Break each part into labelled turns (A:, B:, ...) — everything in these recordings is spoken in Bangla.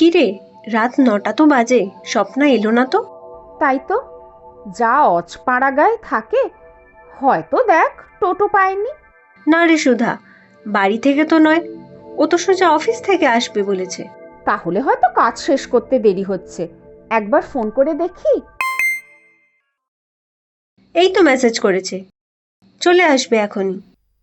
A: কি রে, রাত 9টা তো বাজে, স্বপ্না এলো না তো?
B: তাই তো, যা অজপাড়া গায়ে থাকে, হয়তো দেখ টোটো পায়নি।
A: না রে সুধা, বাড়ি থেকে তো নয়, ও তো সোজা অফিস থেকে আসবে বলেছে।
B: তাহলে হয়তো কাজ শেষ করতে দেরি হচ্ছে, একবার ফোন করে দেখি।
A: এই তো মেসেজ করেছে, চলে আসবে এখনই।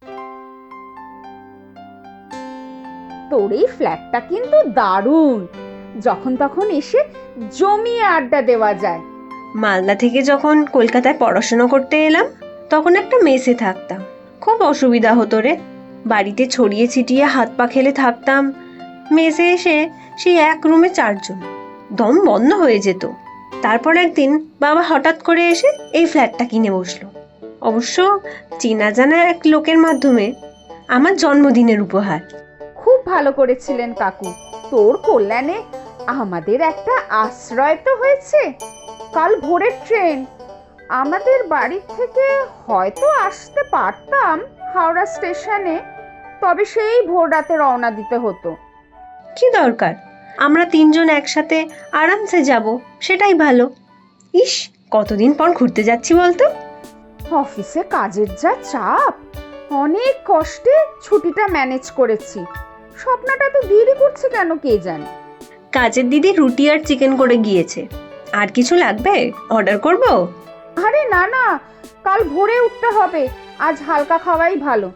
B: তোর এই ফ্ল্যাটটা কিন্তু দারুণ, যখন তখন এসে জমিয়ে আড্ডা দেওয়া যায়।
A: মালদা থেকে যখন কলকাতায় পড়াশোনা করতে এলাম, তখন একটা মেসে থাকতাম, খুব অসুবিধা হতো রে। বাড়িতে ছড়িয়ে ছিটিয়ে হাত পা খেলে থাকতাম, মেসে এসে সেই এক রুমে 4 জন, দম বন্ধ হয়ে যেত। তারপর একদিন বাবা হঠাৎ করে এসে এই ফ্ল্যাটটা কিনে বসলো, অবশ্য চেনা জানা এক লোকের মাধ্যমে, আমার জন্মদিনের উপহার।
B: খুব ভালো করেছিলেন কাকু, তোর কল্যাণে আমাদের একটা আশ্রয় তো হয়েছে। কাল ভোরের ট্রেন, আমাদের বাড়ি থেকে হয়তো আসতে পারতাম হাওড়া স্টেশনে, তবে সেই ভোর রাতে রওনা দিতে হতো।
A: কি দরকার, আমরা 3জন একসাথে আরামসে যাব, সেটাই ভালো। ইস, কতদিন পর ঘুরতে যাচ্ছি বলতো।
B: অফিসে কাজের যা চাপ, অনেক কষ্টে ছুটিটা ম্যানেজ করেছি। স্বপ্নটা তো দেরি করছে কেন কে জানে।
A: কাজের দিদি রুটি আর চিকেন করে গিয়েছে, আর কিছু লাগবে? অর্ডার করব?
B: আরে না না, কাল ভোরে উঠতে হবে, আজ হালকা খাওয়াই ভালো।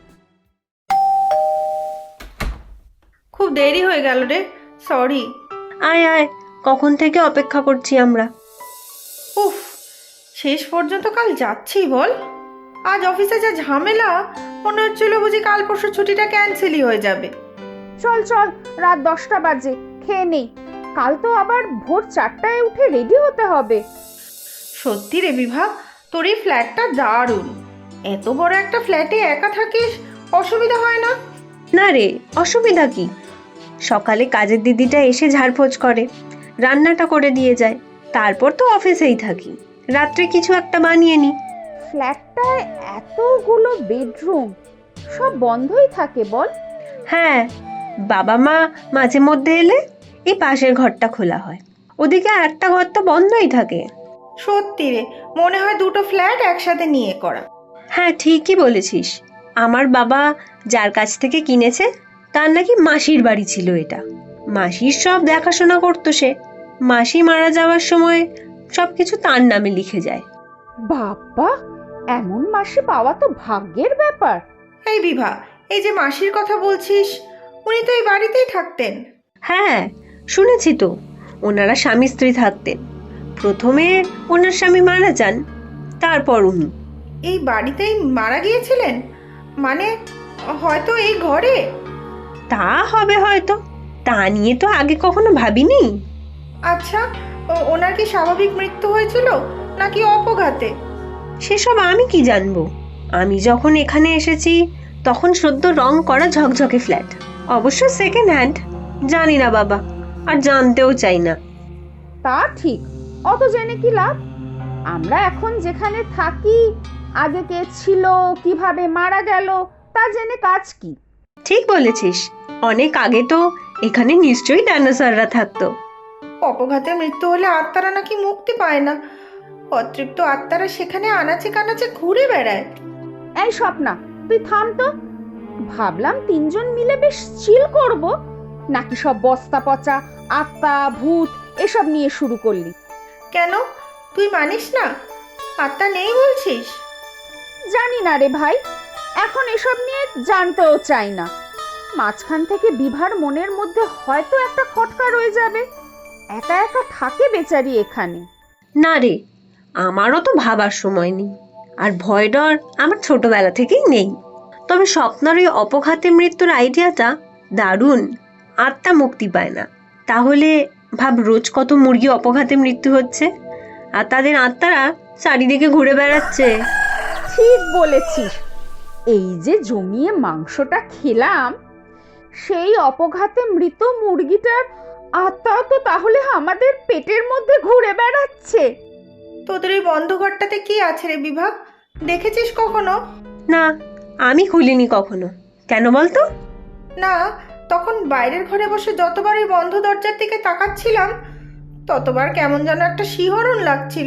C: খুব দেরি হয়ে গেল রে, সরি।
A: আয় আয়, কখন থেকে অপেক্ষা করছি আমরা।
C: উফ, শেষ পর্যন্ত কাল যাচ্ছি বল। আজ অফিসে যা ঝামেলা, মনে হচ্ছিল বুঝি কাল পরশু ছুটিটা ক্যান্সেলই হয়ে যাবে।
B: চল চল, রাত 10টা বাজে, খেয়ে নেই। কাল তো আবার ভোর 4টায় উঠে রেডি হতে হবে।
C: সত্যি রে বিভা, তোর এই ফ্ল্যাটটা দারুণ। এত বড় একটা ফ্ল্যাটে একা থাকিস, অসুবিধা হয় না?
A: না রে, অসুবিধা কি? সকালে কাজের দিদিটা এসে ঝাড়পোছ করে, রান্নাটা করে দিয়ে যায়, তারপর তো অফিসেই থাকি, রাত্রে কিছু একটা বানিয়ে নি।
B: ফ্ল্যাটটায় এতগুলো বেডরুম, সব বন্ধই থাকে বল?
A: হ্যাঁ, বাবা মা মাঝে মধ্যে এলে এই পাশের ঘরটা খোলা হয়, ওদিকে একটা ঘর তো বন্ধই থাকে।
C: সত্যি রে, মনে হয় দুটো ফ্ল্যাট একসাথে নিয়ে করা।
A: হ্যাঁ, ঠিকই বলেছিস। আমার বাবা যার কাছ থেকে কিনেছে, তার নাকি মাসির বাড়ি ছিল এটা। মাসির সব দেখাশোনা করতো সে, মাসি মারা যাওয়ার সময় সবকিছু তার নামে লিখে যায়।
B: বাবা, এমন মাসি পাওয়া তো ভাগ্যের ব্যাপার।
C: এই বিভা, এই যে মাসির কথা বলছিস, উনি তো এই বাড়িতেই থাকতেন।
A: হ্যাঁ, শুনেছি তো, ওনারা স্বামী স্ত্রী থাকতেন। প্রথমে ওনার স্বামী মারা যান, তারপর উনি।
C: এই বাড়িতেই মারা গিয়েছিলেন? মানে হয়তো এই ঘরে?
A: তা হবে হয়তো, তা নিয়ে তো আগে কখনো ভাবিনি।
C: আচ্ছা, ওনার কি স্বাভাবিক মৃত্যু হয়েছিল নাকি অপঘাতে?
A: সেসব আমি কি জানবো। আমি যখন এখানে এসেছি তখন সদ্য রং করা ঝকঝকে ফ্ল্যাট, অবশ্য সেকেন্ড হ্যান্ড। জানি না বাবা, আর জানতেও চাই না।
B: তা ঠিক, অত জেনে কি লাভ? আমরা এখন যেখানে থাকি, আগে কে ছিল, কিভাবে মারা গেল, তা জেনে কাজ কি?
A: ঠিক বলেছিস, অনেক আগে তো এখানে নিশ্চয়ই ডাইনোসররা থাকতো।
C: অপঘাতে মৃত্যু হলে আত্মারা নাকি মুক্তি পায় না, অতৃপ্ত আত্মারা সেখানে আনাচে কানাচে ঘুরে বেড়ায়।
B: এই স্বপ্না, তুই থাম তো। ভাবলাম 3জন মিলে বেশ চিল করব, নাকি সব বস্তা পচা আত্মা ভূত এসব নিয়ে শুরু করলি?
C: কেন, তুই মানিস না? আত্মা নেই বলছিস?
B: জানি না রে ভাই, এখন এসব নিয়ে জানতেও চাই না। মাঝখান থেকে বিভার মনের মধ্যে হয়তো একটা খটকা রয়ে যাবে, একা একা থাকে বেচারি এখানে।
A: না রে, আমারও তো ভাবার সময় নেই, আর ভয় ডর আমার ছোটবেলা থেকেই নেই। তবে স্বপ্নার ওই অপঘাতে মৃত্যুর আইডিয়াটা দারুণ। আত্মা মুক্তি পায় না, তাহলে ভাব রোজ কত মুরগি অপঘাতে মৃত্যু হচ্ছে, আর তাদের আত্মারা চারিদিকে ঘুরে বেড়াচ্ছে।
B: ঠিক বলেছিস, এই যে জমিয়ে মাংসটা খেলাম, সেই অপঘাতে মৃত মুরগিটার আত্মাও তো তাহলে আমাদের পেটের মধ্যে ঘুরে বেড়াচ্ছে।
C: তোদের ওই বন্ধ ঘরটাতে কি আছে রে বিভা, দেখেছিস কখনো?
A: না, আমি খুলিনি কখনো। কেন বলতো?
C: না, তখন বাইরের ঘরে বসে যতবার ওই বন্ধ দরজার দিকে তাকাচ্ছিলাম ততবার কেমন যেন একটা শিহরণ লাগছিল।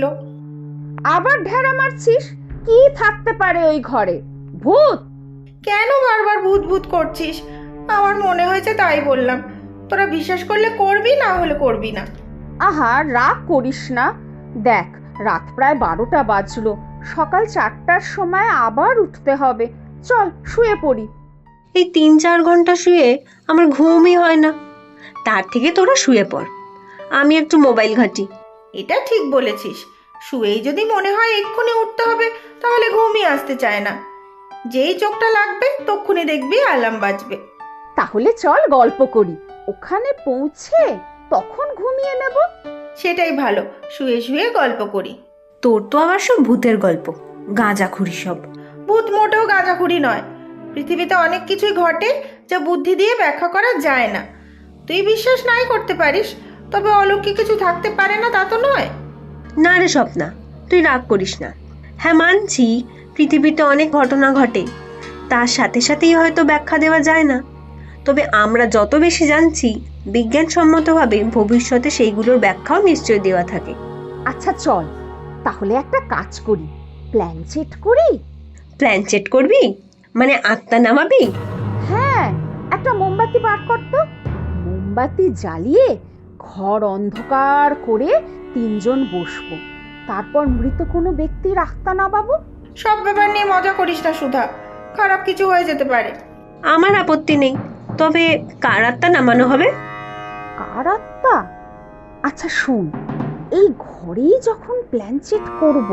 B: আবার ঢেড়া মারছিস? কি থাকতে পারে ওই ঘরে? ভূত?
C: কেন বারবার ভূত ভূত করছিস? আমার মনে হয়েছে তাই বললাম। তোরা বিশ্বাস করলে করবি, না হলে করবি না।
B: আহা, রাগ করিস না। দেখ, রাত প্রায় 12টা বাজলো। সকাল 4টার সময় আবার উঠতে হবে। চল শুয়ে পড়ি।
A: এই 3-4 ঘন্টা শুয়ে আমার ঘুমই হয় না। তার থেকে তোরা শুয়ে পড়, আমি একটু মোবাইল ঘাঁটি।
C: এটা ঠিক বলেছিস। শুয়েই যদি মনে হয় এক্ষুনি উঠতে হবে তাহলে ঘুমই আসতে চায় না। যেই চোখটা লাগবে তক্ষুনি দেখবি অ্যালার্ম বাজবে।
B: তাহলে চল গল্প করি। ওখানে পৌঁছে তখন ঘুমিয়ে নেব।
C: সেটাই ভালো, শুয়ে শুয়ে গল্প করি।
A: তোর তো আবার সব ভূতের গল্প, গাঁজাখুরি সব।
C: ভূত মোটেও গাঁজাখুরি নয়। পৃথিবীতে অনেক কিছুই ঘটে যা বুদ্ধি দিয়ে ব্যাখ্যা করা যায় না। তুই বিশ্বাস নাই করতে পারিস, তবে অলৌকিক কিছু থাকতে পারে না তা তো নয়।
A: না রে স্বপ্না, তুই রাগ করিস না। হ্যাঁ মানছি, পৃথিবীতে অনেক ঘটনা ঘটে, তার সাথে সাথেই হয়তো ব্যাখ্যা দেওয়া যায় না। তবে আমরা যত বেশি জানছি, বিজ্ঞানসম্মতভাবে ভবিষ্যতে সেইগুলোর ব্যাখ্যাও নিশ্চয় দেওয়া থাকে।
B: আচ্ছা চল, তাহলে একটা কাজ করি, প্ল্যান সেট করি।
A: প্ল্যান সেট করবি? মানে আত্মা নামাবি?
B: হ্যাঁ, একটা মোমবাতি বার কর তো। মোমবাতি জ্বালিয়ে ঘর অন্ধকার করে 3 জন বসবো। তারপর মৃত কোনো ব্যক্তির আত্মা নামাবো।
C: সব ব্যাপার নিয়ে মজা করিস না সুধা, খারাপ কিছু হয়ে যেতে পারে।
A: আমার আপত্তি নেই, তবে কার আত্মা নামানো হবে?
B: কার আত্মা? আচ্ছা শোন, এই ঘরেই যখন প্ল্যান সেট করব,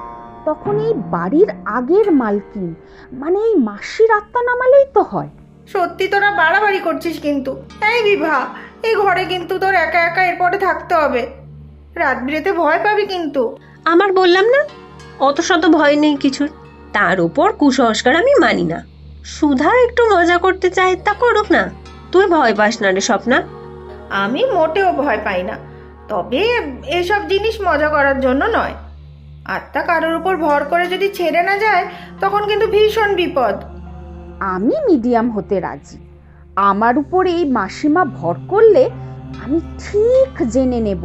B: তখন এই বাড়ির আগের মালকিন মানে এই মাসির আত্মা নামালেই তো হয়।
C: সত্যি তোরা বাড়াবাড়ি করছিস কিন্তু। এই বিভা, এই ঘরে কিন্তু তোর একা একা এরপরে থাকতে হবে। রাত বিরেতে ভয় পাবি কিন্তু।
A: আমার বললাম না, অত শত ভয় নেই কিছুর। তার উপর কুসংস্কার আমি মানি না। সুধা একটু মজা করতে চায়, তা করুক না। তুই ভয় পাস না রে স্বপ্না।
C: আমি মোটেও ভয় পাই না, তবে এসব জিনিস মজা করার জন্য নয়। আত্মা কারোর উপর ভর করে যদি ছেড়ে না যায় তখন কিন্তু ভীষণ বিপদ।
B: আমি মিডিয়াম হতে রাজি। আমার উপর এই মাসিমা ভর করলে আমি ঠিক জেনে নেব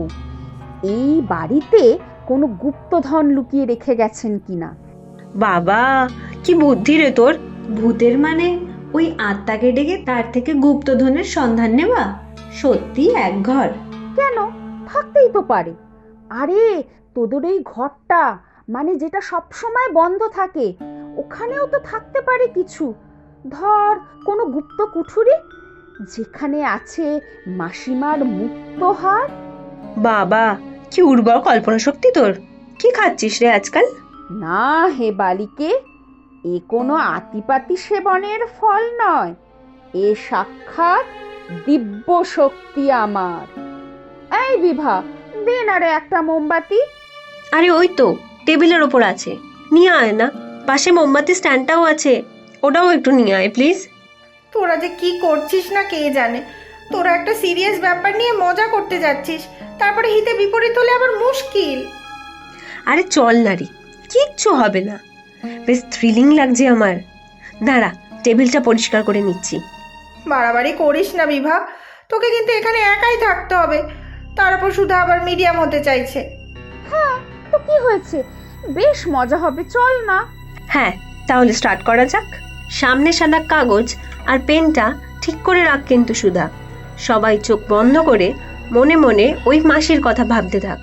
B: এই বাড়িতে কোনো গুপ্তধন লুকিয়ে রেখে গেছেন কিনা।
A: বাবা, কি বুদ্ধি রে তোর! ভূতের মানে ওই আত্মাকে ডেকে তার থেকে গুপ্তধনের সন্ধান নেওয়া? সত্যি এক ঘর।
B: কেন, থাকতেই তো পারে। আরে তোদের এই ঘরটা মানে যেটা সব সময় বন্ধ থাকে, ওখানেও তো থাকতে পারে কিছু। ধর কোনো গুপ্ত কুঠুরি, যেখানে আছে মাসিমার মুক্তহার।
A: বাবা, কি উর্বর কল্পনা শক্তি তোর! কি খাচ্ছিস রে আজকাল?
B: না হে বালিকে, এ কোনো আতিপাতি সেবনের ফল নয়। এ সাক্ষাৎ দিব্য শক্তি আমার। এই বিভা, দে না রে একটা মোমবাতি।
A: আরে ওই তো টেবিলের ওপর আছে, নিয়ে আয় না। পাশে মোমবাতি স্ট্যান্ডটাও আছে, ওটাও একটু নিয়ে আয় প্লিজ।
C: তোরা যে কি করছিস না কে জানে। তোরা একটা সিরিয়াস ব্যাপার নিয়ে মজা করতে যাচ্ছিস, তারপরে হিতে বিপরীত হলে আবার মুশকিল।
A: আরে চল না রে, কিচ্ছু হবে না। বেশ থ্রিলিং লাগছে আমার। দাঁড়া, টেবিলটা পরিষ্কার করে নিচ্ছি।
C: বাড়াবাড়ি করিস না বিভা, তোকে কিন্তু এখানে একাই থাকতে হবে। তার উপর শুধু আবার মিডিয়াম হতে চাইছে।
B: হ্যাঁ, তো কি হয়েছে, বেশ মজা হবে, চল না।
A: হ্যাঁ, তাহলে স্টার্ট করা যাক। সামনে সাদা কাগজ আর পেনটা ঠিক করে রাখ কিন্তু সুধা। সবাই চোখ বন্ধ করে মনে মনে ওই মাসির কথা ভাবতে থাক।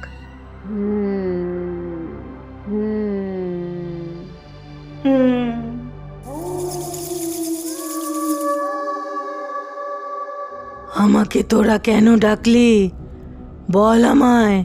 D: আমাকে তোরা কেন ডাকলি বল আমায়।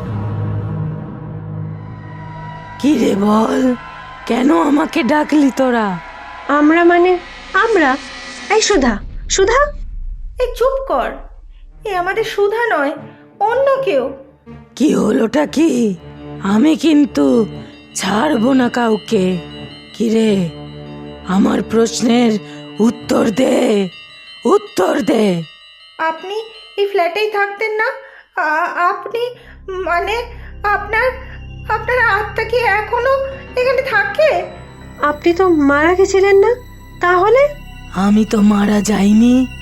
D: কি রে বল, কেন আমাকে ডাকলি তোরা?
A: আমরা মানে আমরা? এই সুধা, সুধা!
C: এই চুপ কর, এ আমাদের সুধা নয়, অন্য কেউ।
D: কি হলোটা কি? আমি কিন্তু ছাড়বো না কাউকে। কি রে, আমার প্রশ্নের উত্তর দে, উত্তর দে।
C: আপনি এই ফ্ল্যাটেই থাকতেন না? আপনি মানে আপনার আপনার আত্মা কি এখনো এখানে থাকে?
A: আপনি তো মারা গেছিলেন না? তাহলে?
D: আমি তো মারা যাইনি,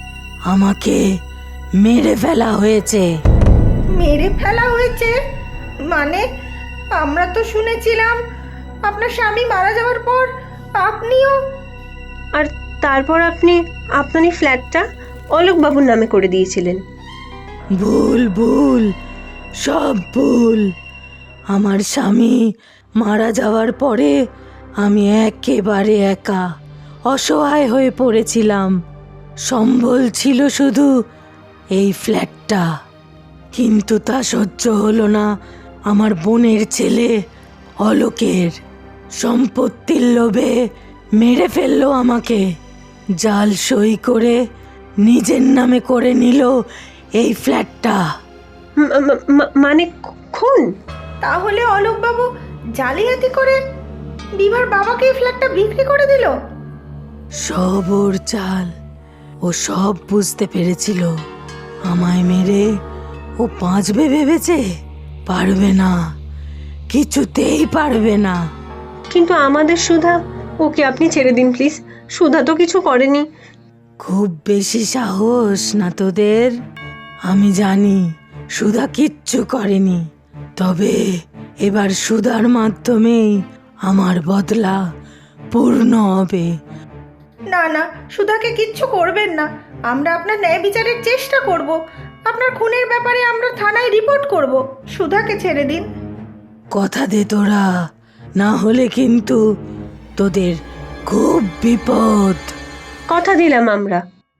D: আমাকে মেরে ফেলা হয়েছে।
C: মেরে ফেলা হয়েছে মানে? আমরা তো শুনেছিলাম আপনার স্বামী মারা যাওয়ার পর আপনিও।
A: আর তারপর আপনি আপনার এই ফ্ল্যাটটা অলোকবাবুর নামে করে দিয়েছিলেন।
D: ভুল ভুল, সব ভুল। আমার স্বামী মারা যাওয়ার পরে আমি একেবারে একা অসহায় হয়ে পড়েছিলাম। সম্বল ছিল শুধু এই ফ্ল্যাটটা, কিন্তু তা সহ্য হলো না আমার বোনের ছেলে অলোকের। সম্পত্তির লোভে মেরে ফেললো আমাকে। জাল সই করে নিজের নামে করে নিল এই ফ্ল্যাটটা।
A: মানে খুন?
C: তাহলে অলোকবাবু জালিয়াতি করে বিভার বাবাকে এই ফ্ল্যাটটা বিক্রি করে দিল?
D: সব ওর চাল। ও সব বুঝতে পেরেছিল। আমায় মেরে ও বাঁচবে ভেবেছে। পারবে না, কিছুতেই পারবে না।
A: কিন্তু আমাদের সুধা, ওকে আপনি ছেড়ে দিন প্লিজ। সুধা তো কিছু করেনি।
D: খুব বেশি সাহস না তোদের? আমি জানি সুধা কিচ্ছু করেনি, তবে এবার সুধার মাধ্যমেই আমার বদলা পূর্ণ হবে।
C: না না, সুধাকে কিচ্ছু করবেন না। আমরা আপনার ন্যায় বিচারের চেষ্টা করব। আপনার খুনের ব্যাপারে আমরা থানায় রিপোর্ট করব। সুধাকে ছেড়ে দিন।
D: কথা দে তোরা, না হলে কিন্তু তোদের খুব বিপদ।
A: কথা দিলাম আমরা।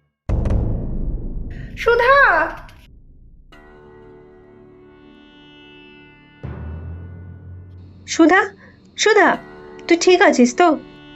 C: সুধা!
A: সুধা, সুধা, তুই ঠিক আছিস তো?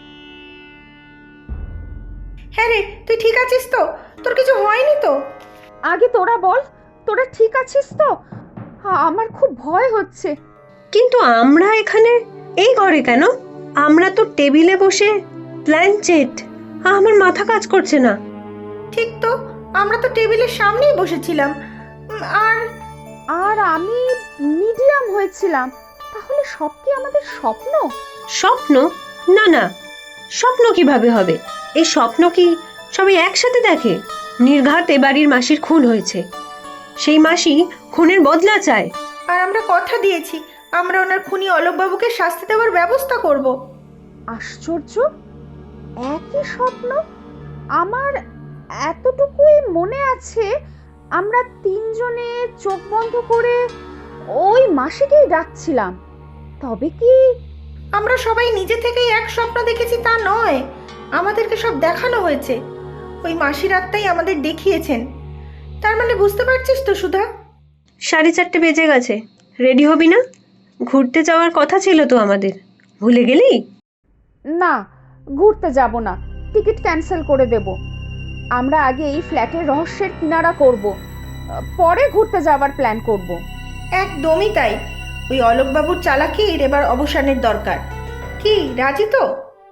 C: হ্যাঁ রে, তুই ঠিক আছিস তো? তোর কিছু হয়নি তো?
B: আগে তোরা বল, তোরা ঠিক আছিস তো? আমার খুব ভয় হচ্ছে।
A: কিন্তু আমরা এখানে এই ঘরে কেন? আমরা তো টেবিলে বসে প্ল্যানচেট। আমার মাথা কাজ করছে না।
C: ঠিক তো, আমরা তো টেবিলের সামনেই বসেছিলাম। আর
B: আর আমি মিডিয়াম হয়েছিলাম। তাহলে সব কি আমাদের স্বপ্ন?
A: স্বপ্ন? না না, স্বপ্ন কিভাবে হবে? এই স্বপ্ন কি সবাই একসাথে দেখে? নির্ঘাত এ বাড়ির মাসির খুন হয়েছে, সেই মাসি খুনের বদলা চায়।
C: আর আমরা কথা দিয়েছি আমরা ওনার খুনি অলোকবাবুকে শাস্তি দেওয়ার ব্যবস্থা করব।
B: আশ্চর্য, একই স্বপ্ন। আমার এতটুকুই মনে আছে, আমরা তিনজনে চোখ বন্ধ করে ওই মাসিকেই ডাকছিলাম। তবে কি
C: আমরা সবাই নিজে থেকেই এক স্বপ্ন দেখেছি তা নয়, আমাদেরকে সব দেখানো হয়েছে। ওই মাসির আত্মাই আমাদের দেখিয়েছেন। তার মানে বুঝতে পারছিস তো সুধা?
A: 4:30 বেজে গেছে। রেডি হবি না? ঘুরতে যাওয়ার কথা ছিল তো আমাদের, ভুলে গেলি?
B: না, ঘুরতে যাব না, টিকিট ক্যান্সেল করে দেব। আমরা আগে এই ফ্ল্যাটের রহস্যের কিনারা করব, পরে ঘুরতে যাওয়ার প্ল্যান করব।
C: একদমই তাই। ওই অলোকবাবুর চালাকির এবার অবসানের দরকার। কি রাজি তো?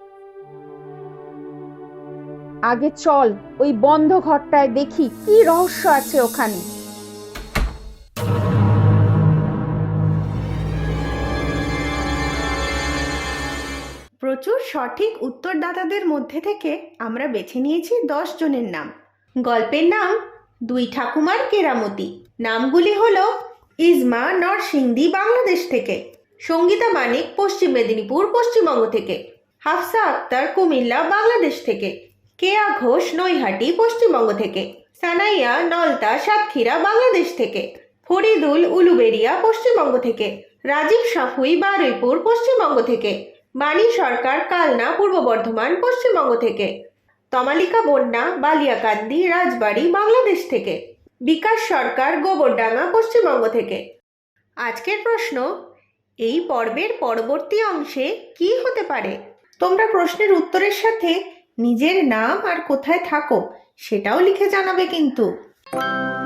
B: আগে চল ওই বন্ধ ঘরটায় দেখি কি রহস্য আছে ওখানে।
C: প্রচুর সঠিক উত্তরদাতাদের মধ্যে থেকে আমরা বেছে নিয়েছি 10 জনের নাম। গল্পের নাম দুই ঠাকুমার কেরামতি। নামগুলি হলো ইজমা নরসিংদী বাংলাদেশ থেকে, সঙ্গীতা মানিক পশ্চিম মেদিনীপুর পশ্চিমবঙ্গ থেকে, হাফসা আক্তার কুমিল্লা বাংলাদেশ থেকে, কেয়া ঘোষ নৈহাটি পশ্চিমবঙ্গ থেকে, সানাইয়া নলতা সাতক্ষীরা বাংলাদেশ থেকে, ফরিদুল উলুবেরিয়া পশ্চিমবঙ্গ থেকে, রাজীব সাফুই বারুইপুর পশ্চিমবঙ্গ থেকে, বাণী সরকার কালনা পূর্ব বর্ধমান পশ্চিমবঙ্গ থেকে, তমালিকা বন্যা বালিয়াকান্দি রাজবাড়ী বাংলাদেশ থেকে, বিকাশ সরকার গোবরডাঙ্গা পশ্চিমবঙ্গ থেকে। আজকের প্রশ্ন, এই পর্বের পরবর্তী অংশে কি হতে পারে? তোমরা প্রশ্নের উত্তরের সাথে নিজের নাম আর কোথায় থাকো সেটাও লিখে জানাবে কিন্তু।